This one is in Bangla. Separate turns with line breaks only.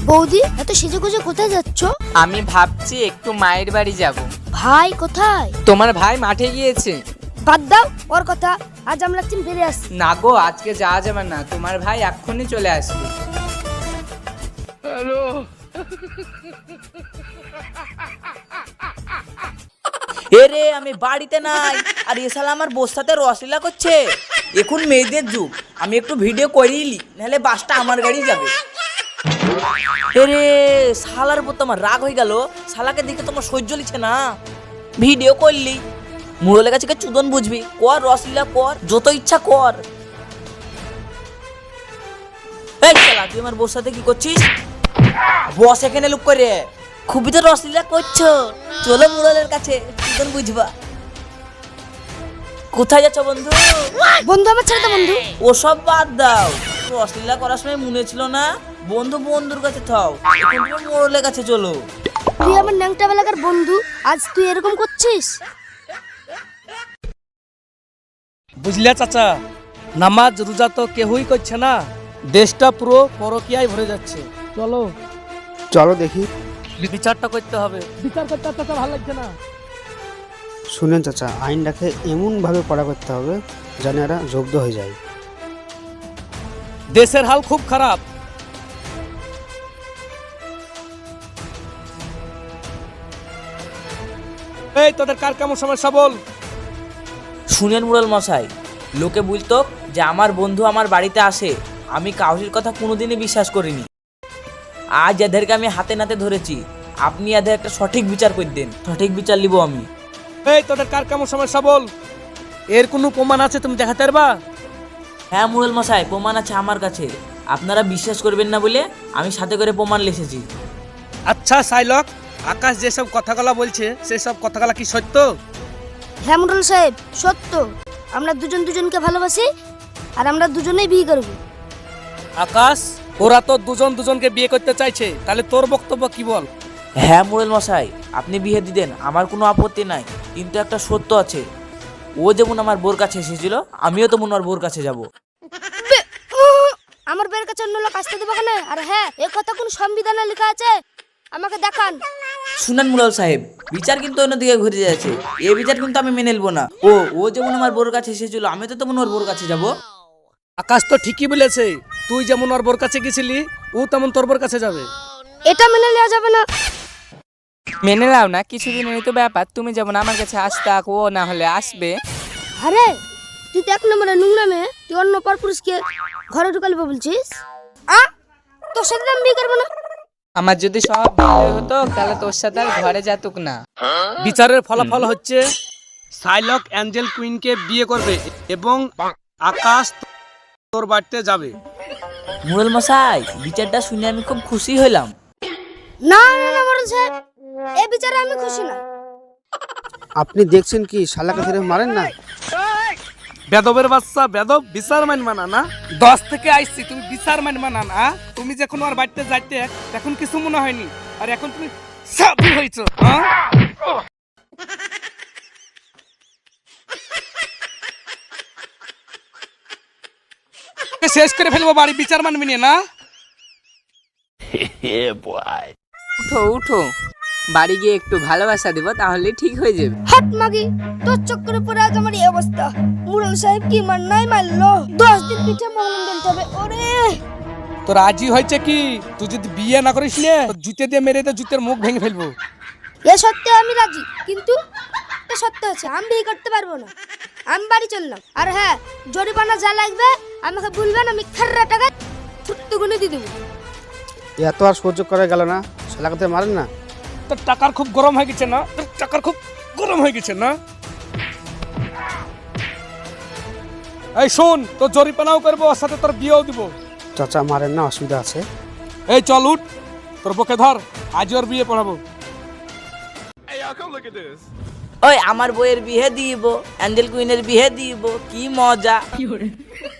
বৌদি এত সেজেগুজে কোথায় যাচ্ছ?
আমি ভাবছি একটু মায়ের বাড়ি যাব।
ভাই কোথায়?
তোমার ভাই মাঠে গিয়েছে।
বাদ দাও ওর কথা, আজ আমরা একদিন বেরিয়ে আসছি।
না গো, আজকে যাওয়া যাবে না, তোমার ভাই এক্ষুনি চলে আসবে। হ্যালো।
এরে আমি বাড়িতে নাই, আর এ শালা আমার বস্তাতে রসলীলা করছে। এখন মেয়েদের যুগ, আমি একটু ভিডিও করিলি, নাহলে বাসটা আমার গাড়ি যাবে। এরে শালার উপর তোমার রাগ হয়ে গেল, শালাকে দেখে তোমার সহ্য লিছে না। ভিডিও করলি, মুরলের কাছে চুদন বুঝবি, কর রসলীলা কর, যত ইচ্ছা কর। এই শালা তুই আমার বস্তাতে কি করছিস? বস এখানে লুক করে, খুবই তো রসলীলা করছো, চলো মুরলের কাছে চুদন বুঝবা। কোথায় যাচ্ছ বন্ধু?
বন্ধু আমার ছেড়ে দাও বন্ধু।
ওসব বাদ দাও, রসলীলা করার সময় মনে ছিল না বন্ধু বন্ধুর কাছে থাও, এখন তুমি মোড়লের কাছে চলো।
তুই আমার ন্যাংটা বেলাকার বন্ধু, আজ তুই এরকম করছিস?
বুঝলে চাচা, নামাজ রোজা তো কেউই করছে না, দেশটা পুরো পরকীয়ায় ভরে যাচ্ছে। চলো
চলো দেখি।
বিচারটা করতে হবে, বিচার করতে চাচা ভালো লাগছে না।
শুনেন চাচা, আইনটাকে এমনভাবে পড়া করতে হবে যেন এরা জব্দ হয়ে যায়।
দেশের হাল খুব খারাপ। এই তোদের কার কেমন সমস্যা বল।
শুনেন মুরল মশাই, লোকে বলতো যে আমার বন্ধু আমার বাড়িতে আসে, আমি কাউরির কথা কোনোদিনই বিশ্বাস করিনি। আজ এদেরকে আমি হাতে নাতে ধরেছি, আপনি এদের একটা সঠিক বিচার করে দেন, সঠিক বিচার নিব আমি।
এই তোদের কার কেমন সমস্যা বল, এর কোনো প্রমাণ আছে তুমি দেখাতে পারবা?
হ্যাঁ মুরল মশাই, প্রমাণ আছে আমার কাছে, আপনারা বিশ্বাস করবেন না বলে আমি সাথে করে প্রমাণ লিখেছি।
আচ্ছা সাইলক, আকাশ যেসব কথাগুলা বলছে সেসব কথাগুলা কি সত্য?
হ্যাঁ মুরল সাহেব, সত্য। আমরা দুজন দুজনকে ভালোবাসি, আর আমরা দুজনেই বিয়ে করব।
আকাশ, ওরা তো দুজন দুজনকে বিয়ে করতে চাইছে, তাহলে তোর বক্তব্য কি বল?
হ্যাঁ মুরল মশাই, আপনি বিয়ে দিতেন, আমার কোনো আপত্তি নাই, কিন্তু একটা সত্য আছে, ও যেমন আমার বোর কাছে এসেছিল, আমিও তেমন ওর বোর কাছে যাব।
আমার বের কাছে অন্য লোক আসতে দেবো কেন? আর হ্যাঁ, এ কথা কোন সংবিধানে লেখা আছে? আমাকে দেখান।
শুনেন মুরাল সাহেব, বিচার কিন্তু অন্যদিকে ঘুরে যাচ্ছে, এই বিচার কিন্তু আমি মেনে নেব না। ও যেমন আমার বোর কাছে এসেছিল, আমি তো তেমন ওর বোর কাছে যাব।
আকাশ তো ঠিকই বলেছে, তুই যেমন ওর বোর কাছে গেছিলি, ও তেমন তোর বোর কাছে যাবে।
এটা মেনে নেওয়া যাবে না।
মেনে নাও না, কিছুদিনের তো ব্যাপার, তুমি যেমন আমার কাছে আসতে, ও না হলে আসবে।
আরে তুই তো এক নম্বরে নোংরা মেয়ে, তুই অন্য পরপুরুষকে ঘরে ঢুকালি বলছিস? তোর সাথে আমি বিয়ে করবো না।
আমার যদি সব ভালো হতো তাহলে তোর সাথে আর ঘরে যেতুক না।
বিচারের ফলাফল হচ্ছে সাইলক অ্যাঞ্জেল কুইনকে বিয়ে করবে এবং আকাশ তোর বাড়িতে যাবে।
মুরাল মশাই, বিচারটা শুনে আমি খুব খুশি হইলাম।
না না না মোড়ল সাহেব, এই বিচারে আমি খুশি না।
আপনি দেখছেন কি শালাকে ফিরে মারেন না?
বেদবের বাচ্চা, বেদব বিচার মানবা না না? 10 থেকে আইছি, তুমি বিচার মানবা না না? তুমি যখন আর বাড়িতে যাইতে তখন কিছু মনে হয়নি, আর এখন তুমি সাধু হইছো। হ্যাঁ, শেষ করে ফেলবো বাড়ি, বিচার মানবি না?
উঠো উঠো, বাড়ি গিয়ে একটু ভালোবাসা দেবো, তাহলে ঠিক হয়ে যাবে।
হাত মাগি, তোর চক্করে পড়ে আজ আমার এই অবস্থা। মোড়ল সাহেব কি মার নাই মারলো, 10 দিন পিঠে মহলম বেলতে হবে। ওরে
তো রাজি হয়েছে কি? তুই যদি বিয়ে না করিস নে, জুতে দিয়ে মেরে দে, জুতের মুখ ভেঙে ফেলবো।
এ সত্যি আমি রাজি, কিন্তু একটা সত্য আছে, আমি বিয়ে করতে পারবো না। আমি বাড়ি চললাম। আর হ্যাঁ, জরিমানা যা লাগবে আমাকে বলবেন, আমি খাররা টাকা ছুট্টু গুনে দিয়ে দেবো।
এত আর সহ্য করা গেল না, শালাকে ফিরে মারেন না।
তোর টাকার খুব গরম হয়ে গেছে না? তোর টাকার খুব গরম হয়ে গেছে না? এই শোন, তোর জরিমানাও করবো, ওর সাথে তোর বিয়েও দিব।
চাচা মারেন না, অসুবিধা আছে।
এই চল উঠ, তোর পক্ষে ধর, আজ ওর বিয়ে পড়াবো।
ওই আমার বইয়ের বিয়ে দিব, অ্যাঞ্জেল কুইনের বিয়ে দিব, কি মজা।